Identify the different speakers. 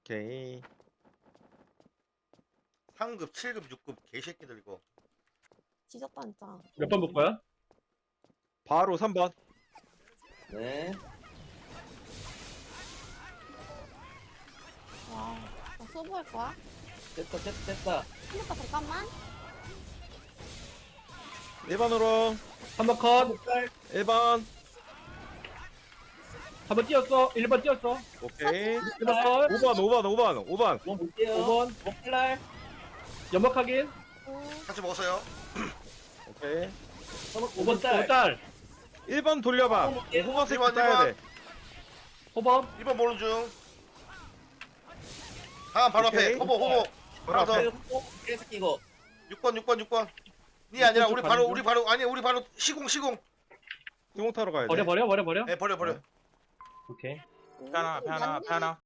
Speaker 1: 오케이.
Speaker 2: 3급, 7급, 6급 개새끼들 이거.
Speaker 3: 지졌다 진짜.
Speaker 4: 몇 번 볼 거야?
Speaker 1: 바로 3번.
Speaker 5: 네.
Speaker 3: 와, 나 소부할 거야?
Speaker 5: 됐다.
Speaker 3: 힘들다 잠깐만.
Speaker 1: 1번으로.
Speaker 4: 3번 컷.
Speaker 1: 1번.
Speaker 4: 3번 뛰었어. 1번 뛰었어.
Speaker 1: 오케이.
Speaker 4: 1번 컷.
Speaker 1: 5번.
Speaker 5: 5번 볼게요.
Speaker 4: 5번.
Speaker 5: 목칼날.
Speaker 4: 연막 확인.
Speaker 2: 같이 먹었어요.
Speaker 1: 오케이.
Speaker 4: 5번
Speaker 5: 딸.
Speaker 4: 딸.
Speaker 1: 1번 돌려봐.
Speaker 5: 어, 볼게요.
Speaker 1: 호박 새끼
Speaker 2: 1번,
Speaker 1: 따야 돼.
Speaker 4: 5번.
Speaker 2: 1번 보는 중. 다음 바로
Speaker 1: 오케이.
Speaker 2: 앞에. 호보.
Speaker 1: 바로
Speaker 2: 하나 더.
Speaker 1: 앞에.
Speaker 5: 개새끼 이거.
Speaker 2: 6번. 니 아니라
Speaker 4: 쪽
Speaker 2: 우리
Speaker 4: 가는
Speaker 2: 바로
Speaker 4: 중?
Speaker 2: 우리 바로 시공.
Speaker 1: 수공 타러 가야 돼.
Speaker 4: 버려.
Speaker 2: 네, 버려.
Speaker 4: 오케이.
Speaker 1: 하나.